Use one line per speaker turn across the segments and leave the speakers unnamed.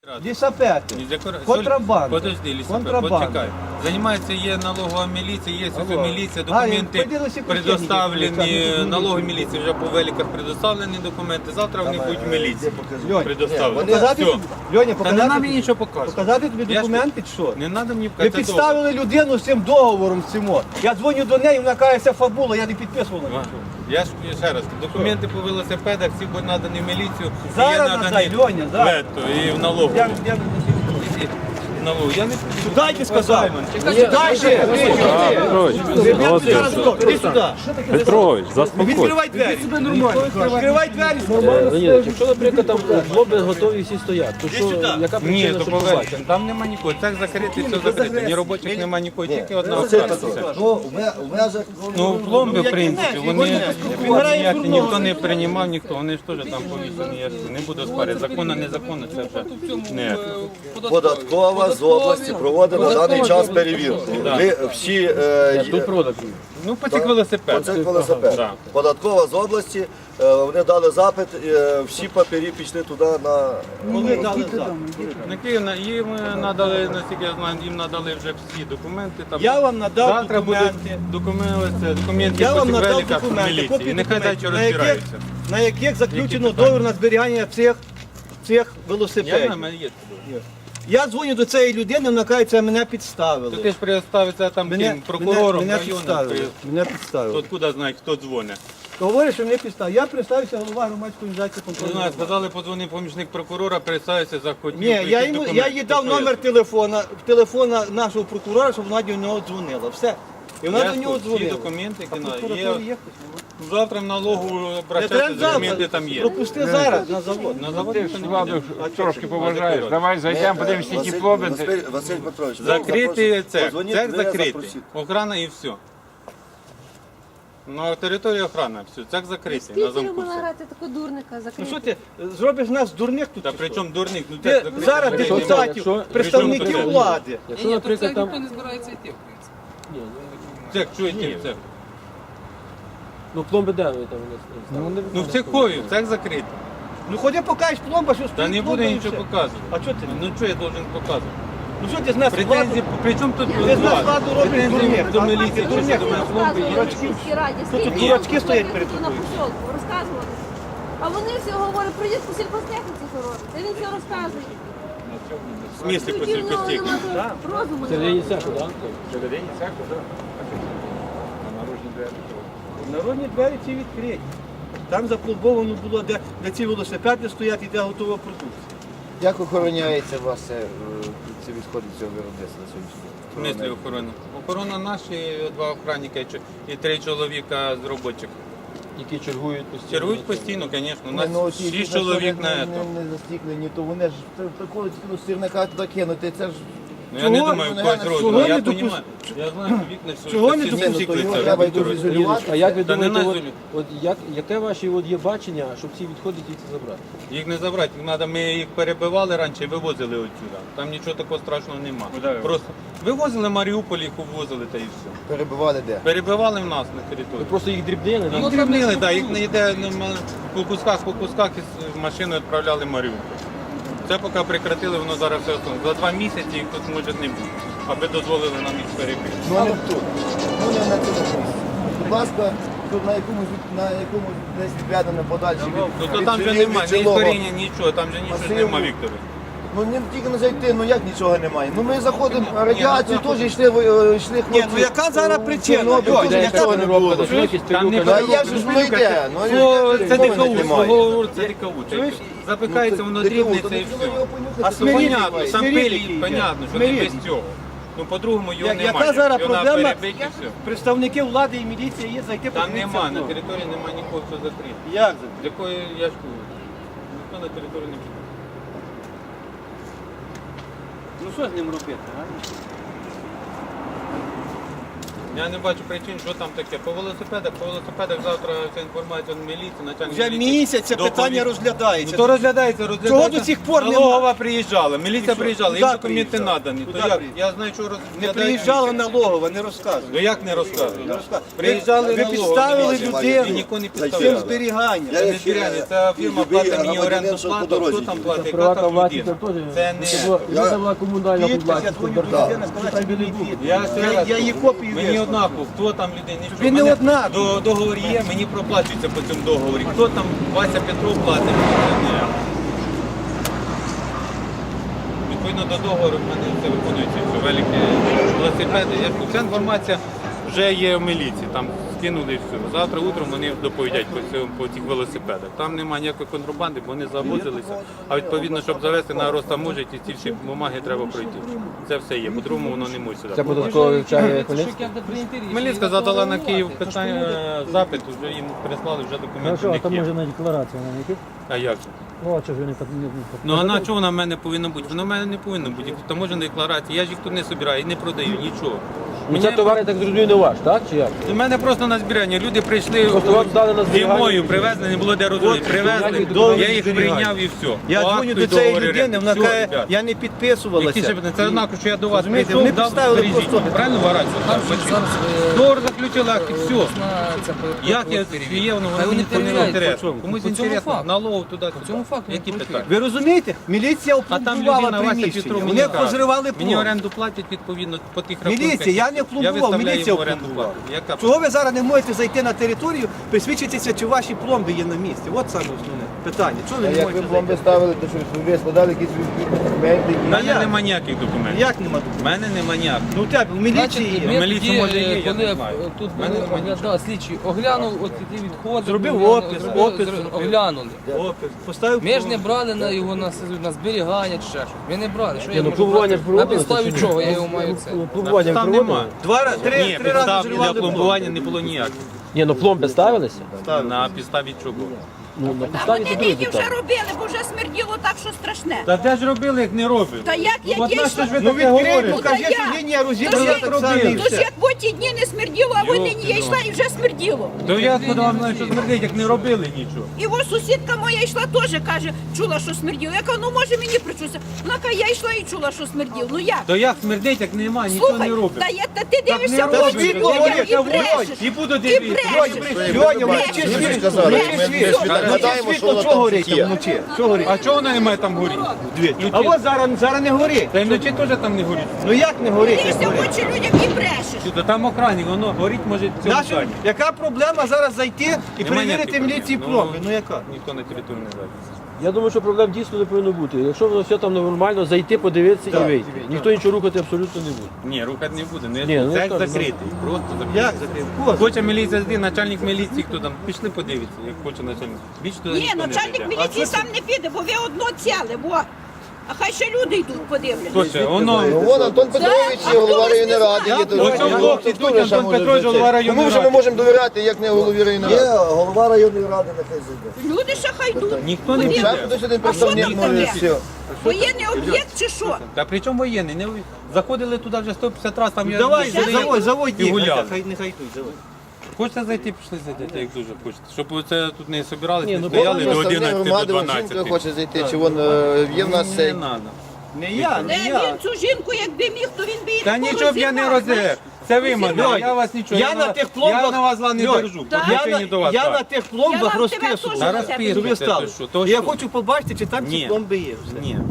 Лісапети, контрабанда.
Подожди, лісапет, почекай. Займається, є налогова міліція, є міліція, документи предоставлені, налогові міліції вже по великах предоставлені документи, завтра вони будуть в міліції предоставлені.
Льоня,
Та не нам нічого показувати.
показати тобі документи, чи що?
Не треба мені
Ви
показати.
підставили людину з цим договором з цим. Я дзвоню до неї, вона каже, це фабула, я не підписував на нічого.
Я ж ще раз, документи по велосипедах всі будуть надані в міліцію.
Зараз
є
надай,
надані
Льоня, зараз.
лето і в налогу. Я не
Дайте сказав. Дайте. Іди сюди.
Петрович, заспокойся.
Відкривай двері. Відкривай двері.
Леонід, якщо, наприклад, там хлопці готові всі стоять, то що, яка
Ні,
причина,
то
що
поверхня.
побачити?
Там нема нікого. Цех закритий, все закрите. Ні робочих нема нікого, тільки одна
Василь
охрана.
Петрович, ну, в межах...
Ну, пломби, в принципі, вони ніякі, ніхто не приймав, ніхто, вони ж теж там повішені, я ж не буду спорити. Законно, незаконно, це вже не.
Податкова з області проводить на даний час перевірку. Ви всі...
Тут продаж.
Ну, потік велосипед.
Оце велосипед.
Да.
Податкова з області, вони дали запит, всі папері пішли туди на...
Коли дали запит?
На Київ їм надали, наскільки я знаю, їм надали вже всі документи. Там.
Я вам надав
Завтра
документи.
будуть документи
Я
по
вам надав
великах в
документи,
міліції.
копії
І нехай далі
документів,
розбираються.
на яких заключено
Які питання?
договір на зберігання цих
Я
велосипедів.
на мене є.
Я дзвоню до цієї людини, вона каже, це мене підставили.
То ти ж представиться там ким, прокурором
мене
району.
підставили. Мене підставили.
Откуда знає, хто дзвонить?
Говорить, що мене підставили. Я представився голова громадської організації
Не
контролю.
знаю, сказали, подзвонив помічник прокурора, представився, захотів.
Ні, я
прийти документи.
їй дав
То що
номер
я?
телефона нашого прокурора, щоб вона до нього дзвонила. Все. І вона
Я
до нього
тут всі
дзвонила.
документи,
А
які
прокуратура
є.
є?
Завтра в налогу
Не
обращатися,
треба
документи
завтра.
там є.
Пропусти зараз на завод.
На завод
Ти
ніхто
ж
не
владу
піде.
трошки поважаєш. Давай зайдемо, подивимося, які плоби.
Василь Петрович,
Закритий цех,
Подзвоніть,
цех
ви
закритий,
запросіть.
охрана і все. На території охрана, все, цех закритий, на
Скільки
замку
можна
все.
грати таку дурника
Ну
закрити?
що ти, зробиш нас дурних тут?
Та
чи
при
що?
чому дурник? Ну,
Ти
цех закритий,
зараз
закритий.
депутатів,
Якщо-
представників
Причому тут
влади.
Якщо, наприклад, там...
не збирається йти, в принципі.
Ні,
Цех, чуєте, цех.
ну пломби де ви там?
Ну в цехові, цех закритий.
Ну ходи покажеш пломба, що стоїть.
Та не
пломба
буде
і
нічого
все.
показувати.
А що ти?
Ну що я должен показувати?
Ну що ти з нас
Претензії,
владу?
при чому тут
Ти з нас владу робиш
Претензії
дурних.
до
А
міліції,
ти
що
дурних
до мене пломби є.
Розказували в сільській раді,
Тут
скільки
дурачки стоять перед
на
тобою.
посілку, розказували. А вони всі говорять, прийдіть по сільхозтехніці робить. Та він все розказує.
В смислі по
Тоді в нього
сільхозтехніці?
немає розуму.
Це
немає.
не цеху, так?
Народні двері ці відкриті. Там запломбовано було, де ці велосипеди стоять і де готова продукція.
Як охороняється у вас ці відходи цього виробництва на сьогоднішній
В смислі охорона? Охорона наші, два охранника і 3 чоловіка з робочих.
Які чергують постійно.
Чергують постійно, звісно. У
Ну,
нас 6 чоловік на це.
не застіклені, то вони ж приходять сірника туди кинути, це ж...
Ну я не
Чого?
думаю, в
Ну,
когось
чого
розуму.
не
Я
допуск-
розумію. Я знаю, що вікна всі.
Чого не
всі
допуск-
стікли,
Ну, то
це
його треба
Віктор.
ізолювати.
А як ви
Та не
думаєте,
на
яке ваше є бачення, щоб ці відходи дійти забрати?
Їх не забрати, їх треба, ми їх перебивали раніше і вивозили отсюда. Там нічого такого страшного нема. Просто вивозили Маріуполь, їх увозили та і все.
Перебивали де?
Перебивали в нас на
Ви
території.
просто їх дрібнили?
Їх дрібнили, так, їх не йде по кусках із машиною відправляли в Маріуполь. Це поки прекратили, воно зараз все основне. За 2 місяці їх тут може не бути, аби дозволили нам їх перебити.
Ну не тут. Ну не на цьому місці. Будь ласка, тут на якомусь десь відведено подальше від
Ну то там вже немає, ні коріння, нічого, там вже нічого
масиву.
немає, Вікторе.
Ну не тільки не зайти, ну як нічого немає. Ну ми заходимо, радіацію
Ні, ну,
теж йшли хлопці.
Ні, ну яка зараз причина?
Чорнобиль,
Льоня,
теж
яка
нічого не було.
Там не
Та я ж ну йде, ну
Це
мови
дикаву,
немає.
свого це дикаву. Запихається, воно дрібнеться і все.
А
Ну, понятно,
смиріть,
сам
смиріть,
пилі, понятно, що не
смиріть.
без цього. Ну по-другому його
Яка
немає.
зараз
Його треба
проблема?
перебити і все.
Представники влади і міліції є зайти
Там
подивитися
нема,
в
на
ногу.
території немає нікого, хто закритий.
Як це?
З якої я ж кажу, ніхто на території не буде.
Ну що з ним робити? А?
Я не бачу причин, що там таке. По велосипедах завтра вся інформація в міліції, начальник
Вже
міліції
місяць це
доповість.
питання розглядається.
Ну то розглядається.
Чого до сих пор нема?
Налогова приїжджала, міліція
що?
приїжджала,
Куди
їм документи
приїжджала?
надані.
Куди
То як?
приїжджала?
Я знаю, що
Не
розглядають.
приїжджала
міліція.
налогова, не розказує.
Ну як не розказують?
Ви
Приїжджали налогова.
підставили
міліція.
людину
І нікого не
цим
підставляли.
зберіганням.
Це не збирання, ця фірма платить мені орендну плату, хто там платить, яка
Приватна
там
власність
людина.
теж.
Це не...
Це була комунальна
Підпис, я
власність.
дзвоню до людини, сказала, що він не підпис. Я її копію
Мені
вислав.
однаково, хто там людей не що.
Він не
Мене
однаково.
Договор є, мені проплачується по цьому договорі. Хто там Вася Петров платить, це не я. Відповідно до договору в мене все виконується, що великі велосипеди. Вся інформація вже є в міліції, там скинули і все. Завтра утром вони доповідять по цих велосипедах. Там немає ніякої контрабанди, бо вони завозилися. А відповідно, щоб завести на розтаможить, і ці всі бумаги треба пройти. Це все є, по-другому воно не може сюди.
Це податково вивчає Хмельницький?
Хмельницька задала на Київ питання, запит, вже їм прислали вже
Ну
документи.
що,
в
а
них
там
є.
може на декларацію на яких?
А як же?
Ну, а чого ж вони
Ну а на чого вона в мене повинна бути? Вона в мене не повинна бути. Таможена декларація, я ж їх тут не збираю і не продаю, нічого.
Ну це товар, я так зрозумію, не ваш, так? Чи як?
У мене просто на збирання. Люди прийшли
Просто вам здали на зберігання?
зимою, привезли, не було де розводити. Привезли,
договір
я їх
зберігання.
прийняв і все.
Я
По
дзвоню
акту
до
і
цієї
договору
людини, вона
оренди. Все,
каже,
ребят.
я не
Які
підписувалася.
ще питання? Це однаково, що я до вас
Розумієте,
прийшов,
вони
дав,
підставили
бережіть.
просто-
Правильно варать? Договор заключили, акт і все. Як я є, воно
Хай вони
ніхто не
перевіряють,
інтересно.
по чому?
Комусь
По цьому
інтересно,
факту.
налог туди.
По цьому факту
Які
вони
питання?
Ви розумієте? Міліція
А там
опломбувала
людина Вася
приміщення.
Петров
Вони
мені каже,
позривали
мені
пломб.
оренду платять відповідно по тих рахунках.
Міліція, я не пломбував,
виставляю
міліція
їм оренду
опломбувала.
плату. Яка?
Чого ви зараз не можете зайти на територію, присвідчитися, чи ваші пломби є на місці? От саме основне питання. Чого ви
А
не
як ви
можете
пломби
зайти?
ставили, то що ви складали якісь документи?
У мене
як?
нема ніяких документів.
Як нема
У
документів?
мене нема ніяких.
Ну у тебе, в міліції є.
ми- міліції, може, є, я
коли
не знаю.
тут
Мене
були
немає
оглядали, слідчі оглянув от ті відходи.
Зробив
оглянули,
опис,
зробив-
опис
зробив-
зробив.
оглянули.
Опис, поставив
Ми ж не
пломбу.
брали на його на зберігання чи ще щось. Ми не брали. Що я
ну,
можу
пломбування
брати?
ж проводили,
На підставі
чи ні?
чого я його маю це?
Пломбування
Там
проводили?
нема.
Три
Ні,
рази
підстав для
зривали
пломбування не було ніяких.
Ні, ну пломби ставилися?
На підставі чого?
Ну, на підставі
Вони
це друге
нині вже
питання.
робили, бо вже смерділо так, що страшне.
Та де ж робили, як не робили?
Та як я
От на
дійсно...
що ж ви
Ну
таке
відкрий,
говорите?
покажи,
Ну, та
що
я.
лінія
Тож
розібрана
як-
так само і
Тож
все.
як по ті дні не смерділо, а вони я йшла і вже смерділо.
То я откуда вам знаю, що смердить, як не робили нічого.
І ось сусідка моя йшла теж, каже, чула, що смерділо. Я кажу, ну може мені причуся. Вона каже, я йшла і чула, що смерділо. Ну як?
То як смердить, як нема, нічого
Слухай,
не робить.
та ти дивишся
не
в
робить.
очі
Світло
людям
горить,
і
я
брешеш.
І буду
І
дивитися.
брешеш.
Льоня,
Ми
вночі
ж
світло.
сказали,
Вночі
ми
світло.
гадаємо, що
Світло
воно
чого
там
горить
є.
вночі? Чого горить?
А чого вона не має там горіти?
А от зараз не горить.
Та й вночі теж там не горить.
Ну як не горить? як
Дивишся в
горить?
очі людям і брешеш.
Сюди, там охранник, воно горить може в цьому
Нашу,
здані.
яка проблема зараз зайти і
Нема
перевірити
ніяких
міліції
проблем.
пломби? Ну яка?
Ніхто на територію не зайде.
Я думаю, що проблем дійсно не повинно бути. Якщо воно все там нормально, зайти, подивитися і вийти. Ніхто нічого рухати абсолютно не буде.
Ні, рухати не буде.
Ні, ну,
Це
що,
закритий, просто закритий.
Як закрив? Кого?
Хоче міліція зайти, начальник міліції, хто там, пішли подивитися, як хоче начальник. Більше туди
Ні,
ніхто не
начальник
зайде.
міліції сам не піде, бо ви одно ціле, во. А хай ще люди йдуть, подивляться.
Хто ще? Воно.
Ну, вон Антон Петрович,
А хто
голова
вас не
районної ради.
знає?
є тут.
Ось цьому хлопці
Хто
тут
ще
Антон
може
Петрович,
зайти?
голова районної
Кому ж ми
ради.
можемо довіряти, як не голові районної ради?
голова районної ради нехай зайде.
Люди ще хай йдуть.
Ніхто не
Подивляться.
піде.
Хтось один
А що
представник
там
може
таке?
все.
Воєнний об'єкт чи що?
Та при чому воєнний? Не... Заходили туди вже 150 разів, там я
Давай,
сидів
заводь
і
їх,
гуляв.
нехай йдуть, заводь.
Хочете зайти, пішли зайти, як дуже хочете. Щоб це тут не собирались,
Ні,
не
ну,
стояли до
Представник
11, до
громади, вон
12.
жінка хоче зайти, чи вон є в нас
Не
цей.
треба.
Не я,
Де
не я.
він цю жінку, якби міг, то він би їх
Та нічого б я не розірвав. Це ви мене,
Льонь,
я вас нічого.
я на тих пломбах-
Я на вас зла не
Льонь,
держу.
Так.
По відношенню до вас.
Я
так.
на тих
Я
пломбах
вам тебе
розписував.
теж
Зараз
Щоб
пишете,
ви стали.
то що, то
Я
що?
хочу побачити, чи там ці
Ні.
пломби є. Все.
Ні.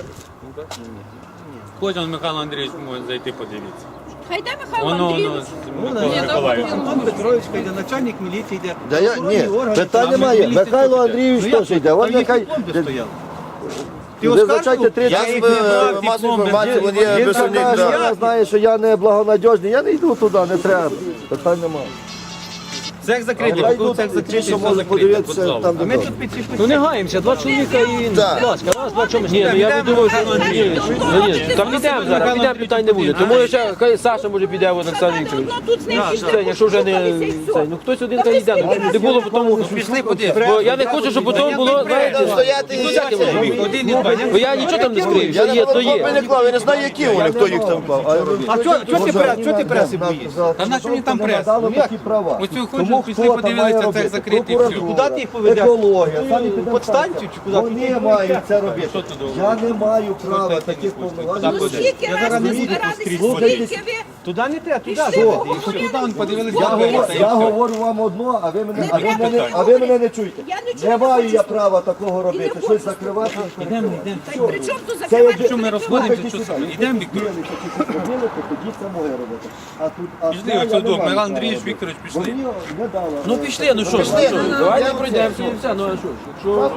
Кожен Михайло Андрійович може зайти подивитися.
Хай де Михайло
Воно,
Андрійович.
Микола Миколаївич.
Антон Петрович йде, начальник міліції йде.
Да я, ні, питань немає. Михайло Андрійович теж йде. От нехай.
Ти
Ви
оскаржував?
вибачайте, 30
Я з масової інформації, вон є
Він
представник.
каже,
да.
я знаю, що я не благонадіжний, я не йду туди, не треба. Питань немає.
Цех закритий,
Хай
поки
йдуть
цех
ті,
закритий,
що
все
можуть
закрите.
подивитися
підзал.
там,
А ми
де
тут підсіпи.
Ну не гаємося, два чоловіка і,
Так.
будь ласка, раз, два чоловіка. Ні, ну я не думаю, що там підемо зараз, підемо, питань не буде. Тому ще хай Саша може піде, Олександр Вікторович.
Ну тут з ним пішли,
Це, якщо вже не
шукалися і все.
це, ну хтось один хай йде, ну не було потім.
Пішли подивимось.
Бо я не хочу, щоб потім було, знаєте,
стояти і
всяке може бути.
Один і два.
Бо я нічого там не скрию,
Я
що є, то
не
є.
клав, я не знаю, які вони, хто їх там клав.
А чого ти преси боїшся?
Та на що мені там прес?
Такі права.
Оцю хочу, пішли подивилися, цех закритий, все.
Куди ти їх поведеш?
Екологія,
Подстанцію чи куди?
Вони мають це робити. Я не маю права таких
Ну
повноважень.
скільки
Я
раз
зараз
ви
не буду
збиралися,
слухати.
скільки ви
Туди не треба, туди.
пішли,
Що?
поговорили.
Туди он подивилися,
Я говорю вам одно, а ви мене не чуєте.
Я нічого
Не
не
маю
хочу
я
слухати.
права такого робити,
не
щось
хочу
закривати.
Та й при чому тут
Це
закривати?
Що ми розходимося, що саме? Йдемо, Віктор.
Робили, то тоді це моє робити. А тут
Пішли, ось сюди, Михайло Андрійович, Вікторович, пішли.
Мені не дало.
Ну пішли, ну що ж, ну, що ж, давайте пройдемося і все, ну а що ж, якщо...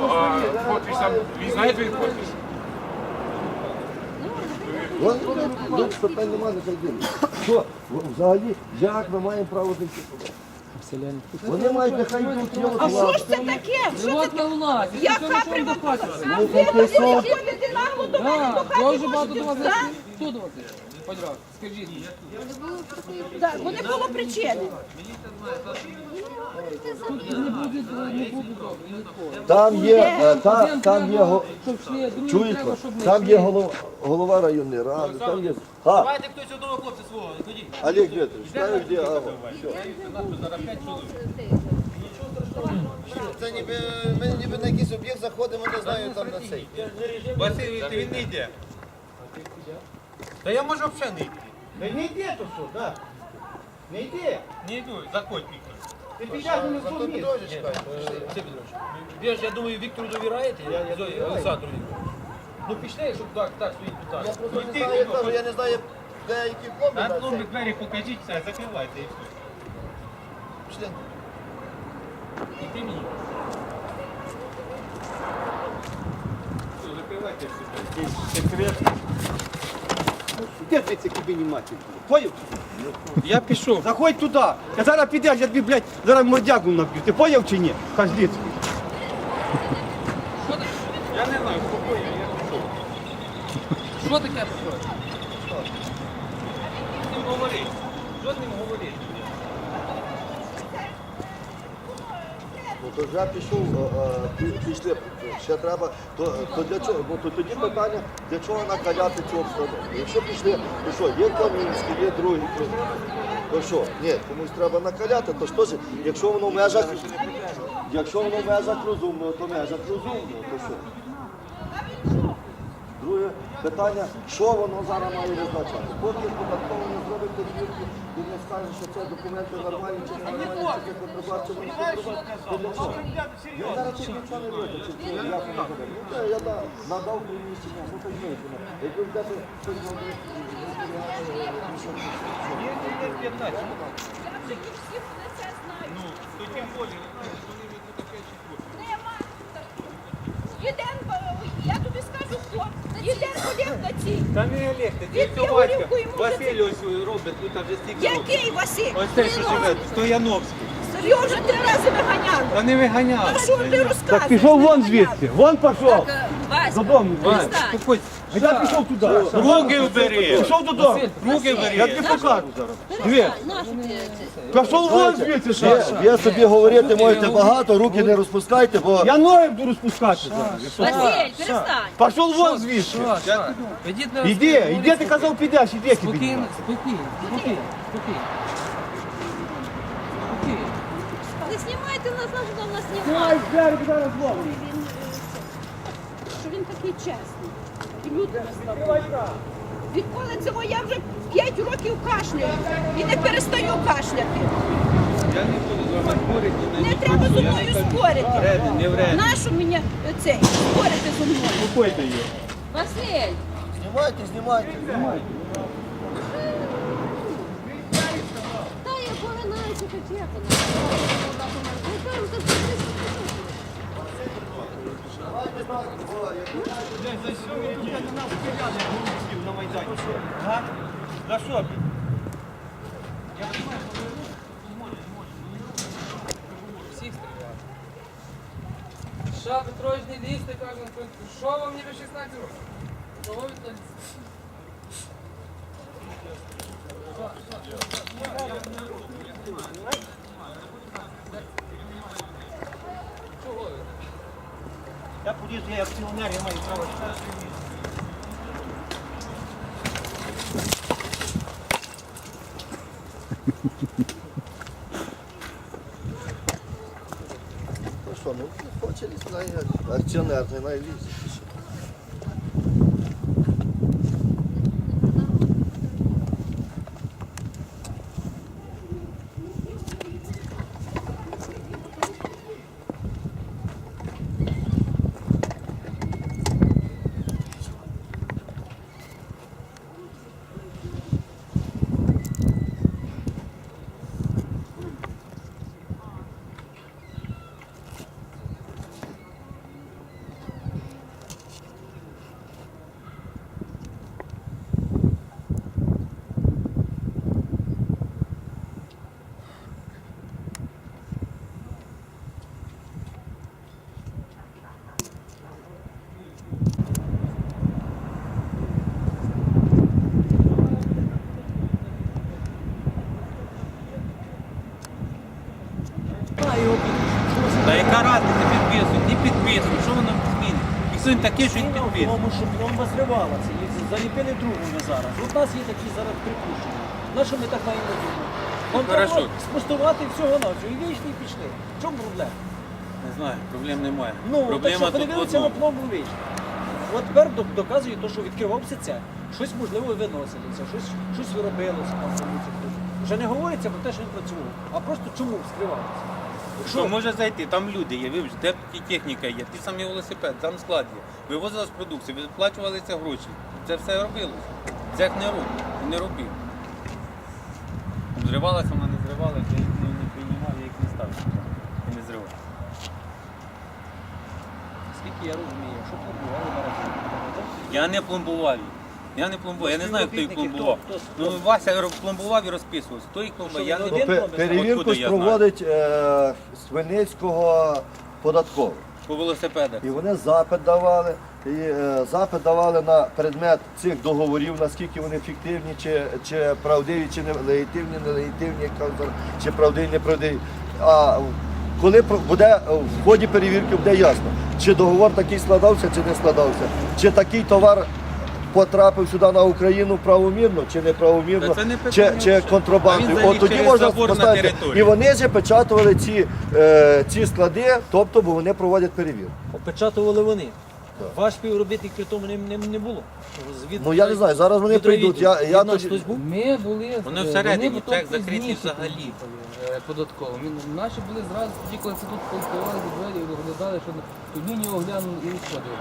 Ну, питань немає, нехай ділять. Що, взагалі, як ми маємо право зайти туди? Вони мають, нехай йдуть, є
А
от
що
влада.
ж це таке? Що
Живот
таке?
на власті.
Яка приватизація?
Ну,
Ви
хай сон.
ходите нагло до мене до
Так,
хати
дуже багато
можете,
до вас
да?
Хто до вас? Подразу, скажіть.
Так, бо не було причини.
Там є, там є,
Щоб йшли, другі
чуєте,
треба, щоб не
там є
йшли.
голова районної ради, там є...
Давайте хтось одного хлопця свого, ходіть.
Олег Вітрович, знаю, де Ава. Це ніби, ми ніби на якийсь об'єкт заходимо, не знаю, там на цей.
Василь, він не йде. Та я можу взагалі не йти.
Та не йди то що, так. Не йди.
Не йду, заходь, Віктор.
Ти підеш не в тому місці.
Ви ж, я думаю, Віктору довіраєте, Олександру Вікторовичу. Ну пішли, щоб так стоїть питання.
Я просто не знаю, я кажу, я не знаю, де які клоби
А
на
ну,
цей.
двері покажіть, все, закривайте і все.
Пішли.
І ти мені. Все, закривайте все.
Де ти це кабіні матір? Поняв?
Я пішов.
Заходь туди. Я зараз підеш, я тобі, блядь, зараз мордягу наб'ю. Ти поняв чи ні? Каждіць.
Я не знаю, спокійно, я пішов.
Що таке проходить?
З ним говорити. Що з ним говорити?
Ну, то вже пішов, пішли, ще треба, то для чого, бо то тоді питання, для чого накаляти цю обстановку. Якщо пішли, то що, є Кам'янський, є другий, то що, ні, комусь треба накаляти, то ж теж, якщо воно в межах розумного, то в межах розумного, то що? Друге питання, що воно зараз має визначати? Поки податково не зробить перевірку, він не скаже, що це документи нормальні чи не нормальні, чи це контрабат, чи не контрабат, то для чого? Я зараз тут нічого не виключив, чи як воно буде. Ну, це я надав приміщення, ну, так знаєте, як ви вдати, щось зробити,
Я вже і всі вони це знають.
Ну, то тим більше, вони вже тут таке чекають.
Нема. Єден, я тобі скажу, хто. Єден Олег на цій.
Та не Олег, це
Він
цього
горілку
батька.
йому
Василь ось робить, тут вже стільки років.
Який Василь?
Ось те, що живе, Стояновський.
Його вже 3 рази виганяли.
Та не виганяв.
А що ти розказуєш?
Так пішов вон звідси. Вон пішов.
Вася,
Додому.
Спокойно.
А я пішов туди.
Руки вбери.
Пішов додому.
Руки
Я
вбери.
тобі покажу зараз. Дві.
нашу ти
Пішов вон звідси, Саша.
Ви собі говорити можете багато, руки не розпускайте, бо
Я ноги буду розпускати зараз.
Василь, перестань.
Пішов вон звідси.
Ідіть на
Іди, ти казав, підеш, іди кабіні.
Спокійно, спокійно, спокійно, спокійно. Спокійно.
Не знімайте нас, нашу там нас
Ай,
знімати.
зараз зараз зловлю.
Що він такий чесний. І люди наставили. Відколи цього я вже 5 років кашляю. І не перестаю кашляти.
Я не буду з вами спорити.
Не треба зі мною спорити.
Вредно, не вредно.
Нащо мені цей спорити зі мною?
Успокойте її.
Василь,
знімайте.
та я поринаюся, хоч як вона.
За що ви тут на нас стріляли, як голубців на Майдані? А? За що?
Держав Петрович не лізьте, каже, що вам ніби 16 років? Чого ви так?
Я полізу, я акціонер, я маю право читати.
Ну що, ну хоче лізти, акціонер, не має лізти.
Та яка разниця підписують? Не підписують, що воно змінить? Якщо він такий, що він підписує.
Тому що пломба зривалася, і заліпили другу вже зараз. От у нас є такі зараз припущення. На що ми так маємо робити? Вам
Хорошо.
треба спустувати всього на всього. І вийшли, і пішли. В чому проблема?
Не знаю, проблем немає.
Ну, так
Проблема
що
тут в
подивилися на
одному.
пломбу вийшли. От тепер доказує те, що відкривався це. Щось можливо виносилося, щось виробилося там. Вже не говориться про те, що він працював, а просто чому скривалося.
Що може зайти? Там люди є, вибач, де техніка є, ті самі велосипед, там склад є. Вивозилась продукція, виплачувалися гроші. Це все робилося. Цех не робив, не робив. Зривалася, вона не зривалася, я їх не приймав, я їх не ставив сюди. І не зривав.
Скільки я розумію, що пломбували на роботу.
Я не пломбував їх. Я не пломбував, я не знаю, хто їх
Співробітники,
пломбував.
хто-
Ну, Вася пломбував і розписувався. Хто їх пломбував, я не
Один
знаю.
пломбив?
Перевірку
Откуда я
проводить Свинецького податковий.
По велосипедах.
І вони запит давали. Запит давали на предмет цих договорів, наскільки вони фіктивні, чи правдиві, чи нелегітимні, нелегітимні, чи правдиві, неправдиві. А коли буде в ході перевірки, буде ясно, чи договор такий складався, чи не складався, чи такий товар потрапив сюди на Україну правомірно, чи неправомірно,
Та це не питання
чи
взагалі.
контрабандою.
А він
От тоді
через
можна
забор на
поставити.
територію.
І вони ж печатували ці склади, тобто, бо вони проводять перевірку.
Опечатували вони. Ваш співробітник при тому не було.
Ну я не знаю, зараз вони прийдуть. Я тоді...
хтось був?
Ми були,
Вони всередині,
вони
цех
потім
закритий
пізніше
взагалі.
приїхали, податково. Наші були зразу тоді, коли це тут полкували двері, оглядали, що тут лінію оглянули і відходили.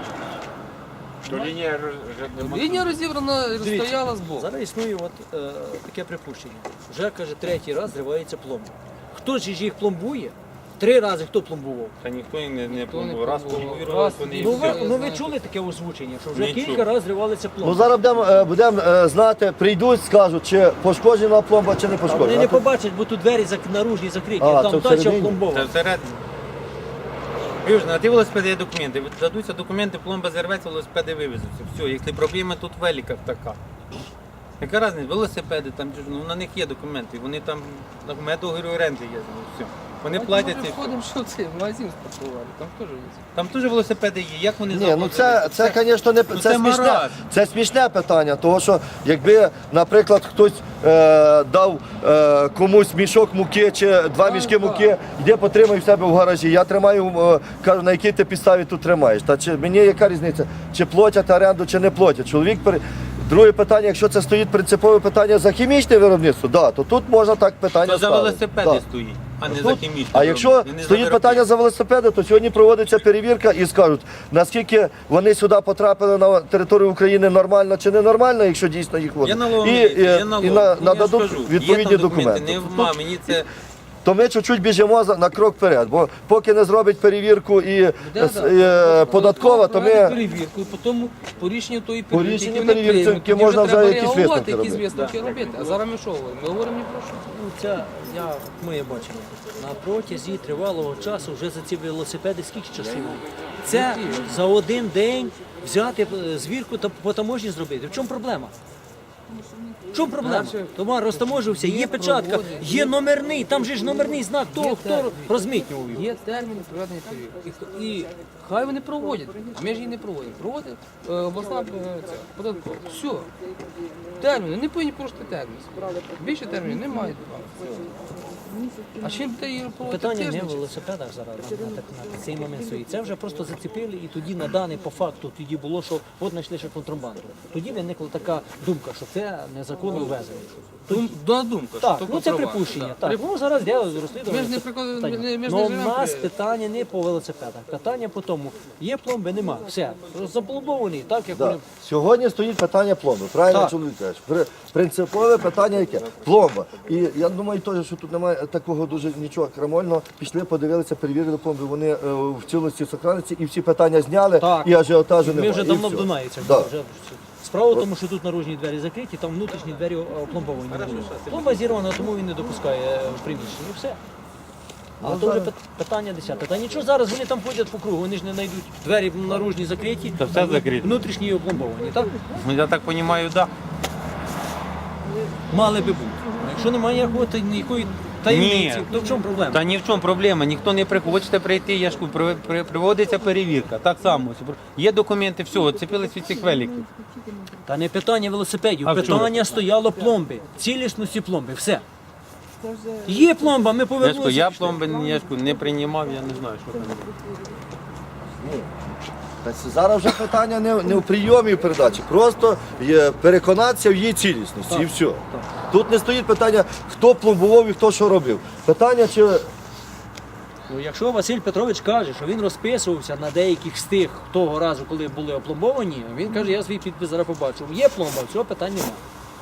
Лінія розібрана, стояла збоку.
Зараз існує таке припущення. Вже, каже, третій раз зривається пломба. Хто ж їх пломбує? 3 рази хто пломбував?
Та ніхто їх не
Ніхто не
пломбував. Раз
пломбував.
пломбували,
Раз
вони і
і
Ну
все.
ви чули таке озвучення, що вже
Не
кілька
чув.
разів зривалися
Ну
пломби.
зараз будемо знати, прийдуть, скажуть, чи пошкоджена пломба, чи не
А вони
пошкоджена.
не побачать, бо тут двері наружні закриті,
А,
а
це
там дача
всередині?
Це
пломбована.
всередині. Вивж, на ті велосипеди є документи. Дадуться документи, пломба зірветься, велосипеди вивезуться. Все, якщо проблема тут в великах така. Яка різниця? Велосипеди, там, ну, на них є документи, вони там, у мене договір оренди є, ну, все. Вони платять.
Ми
і-
входимо, що це, в магазин спортували, там теж є.
Там теж велосипеди є, як вони
Ні, ну
завозили?
це, звісно, не
Ну,
це
це
смішне.
маразм.
Це смішне питання, тому що якби, наприклад, хтось дав комусь мішок муки чи 2 мішки муки, йди потримай в себе в гаражі. Я тримаю, кажу, на якій ти підставі тут тримаєш. Та чи мені яка різниця, чи платять оренду, чи не платять. Чоловік Друге питання, якщо це стоїть принципове питання за хімічне виробництво, да, то тут можна так питання
То за
ставити.
велосипеди
Да.
стоїть, а не
Тут-
за хімічні.
А якщо
виробництва. І не за
стоїть
виробництво.
питання за велосипеди, то сьогодні проводиться перевірка і скажуть, наскільки вони сюди потрапили на територію України нормально чи ненормально, якщо дійсно їх
Є
водять.
налог,
І
є налог. Ну, я ж
нададуть
кажу,
відповідні
є там
документи.
Не в
Тут-
мамі, це
то ми чуть-чуть біжимо на крок вперед. Бо поки не зробить перевірку і податкова, то ми...
перевірку, і потім по рішенню тої
По
перевірки,
рішенню
які вони
перевірки
приймуть, тоді
можна
треба
вже якісь
реагувати,
висновки
якісь
робити.
висновки робити. А зараз ми що говоримо? Ми говоримо ні про що.
Ну, це моє бачення. На протязі тривалого часу вже за ці велосипеди скільки часів? Це за один день взяти звірку та по таможні зробити. В чому проблема? В чому проблема? Товар розтаможився, є печатка, є номерний, там же ж номерний знак того, хто розмитнював його.
Є терміни проведення перевірки. І хай вони проводять, а ми ж її не проводимо. Проводить обласна податкова. Все. Терміни, не повинні порушити термін. Більше термінів немає. А чим ти її проводити?
Питання не в велосипедах зараз на цей момент стоїть. Це вже просто зацепили і тоді на даний по факту тоді було, що от знайшли ще контрабанду. Тоді виникла така думка, що це незаконно ввезення.
Думка.
Так,
що
ну це
контрабанда.
припущення. Так, ну зараз де розслідування.
Ми ж не прикладаємо, ми ж не
Ну, у
живемо
нас
при-
питання не по велосипедах. Питання по тому, є пломби, нема. Все. Запломбовані, так як
Да.
вони.
Сьогодні стоїть питання пломби. Правильно
Так.
чоловік каже. Принципове питання яке? Пломба. І я думаю, теж, що тут немає такого дуже нічого крамольного. Пішли, подивилися, перевірили пломби. Вони в цілості сохраниться і всі питання зняли,
Так.
і ажіотажу немає.
Ми вже
і
давно
все.
в Дунаївцях.
Да.
Вже. Справа в тому, що тут наружні двері закриті, там внутрішні двері опломбовані. Пломба зірвана, тому він не допускає в приміщення. І все. А то вже питання 10. Та нічого, зараз вони там ходять по кругу, вони ж не знайдуть. Двері наружні закриті,
Та все закрито.
внутрішні опломбовані. Так?
Ну, я так розумію, так.
Мали би бути. А якщо немає ніякої таємниці,
Ні.
то в чому проблема?
Та ні в чому проблема, ніхто не приходить. Хочете прийти, я ж кажу, проводиться перевірка. Так само. Є документи, все, відцепились від цих великів.
Та не питання велосипедів,
А в чому?
питання стояло пломби, цілісності пломби, все. Є пломба, ми
Я ж кажу,
повернулися.
я пломби я ж кажу, не приймав, я не знаю, що там.
Та це зараз вже питання не в прийомі передачі, просто переконатися в її цілісності і все. Тут не стоїть питання, хто пломбував і хто що робив. Питання, чи
Ну, якщо Василь Петрович каже, що він розписувався на деяких з тих того разу, коли були опломбовані, він каже, я свій підпис зараз побачив. Є пломба, цього питань немає.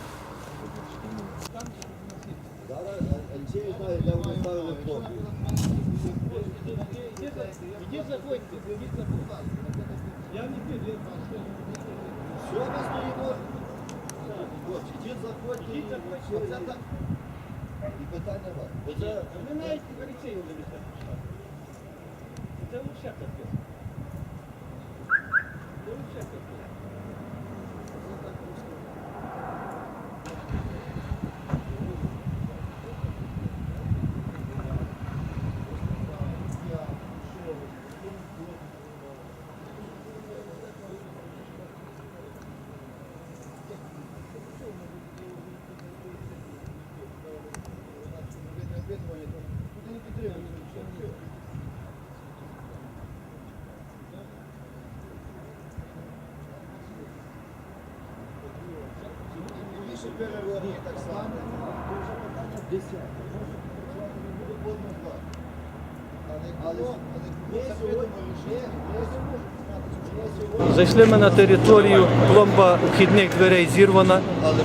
Зайшли ми на територію, пломба вхідних дверей зірвана.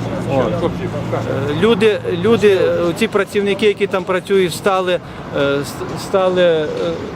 Люди, ці працівники, які там працюють, стали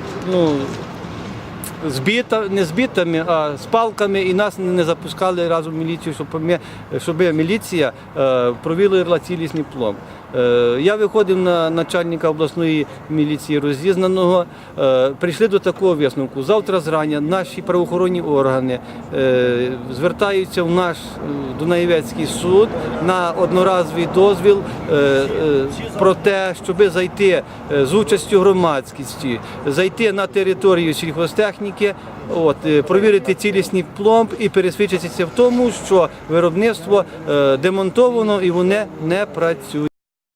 не збитими, а з палками, і нас не запускали разом в міліцію, щоб міліція провірила цілісний пломб. Я виходив на начальника обласної міліції розізнаного, прийшли до такого висновку. Завтра зрання наші правоохоронні органи звертаються в наш Дунаєвецький суд на одноразовий дозвіл про те, щоб зайти з участю громадськості, зайти на територію сільхозтехніки, провірити цілісний пломб і пересвідчитися в тому, що виробництво демонтовано і воно не працює.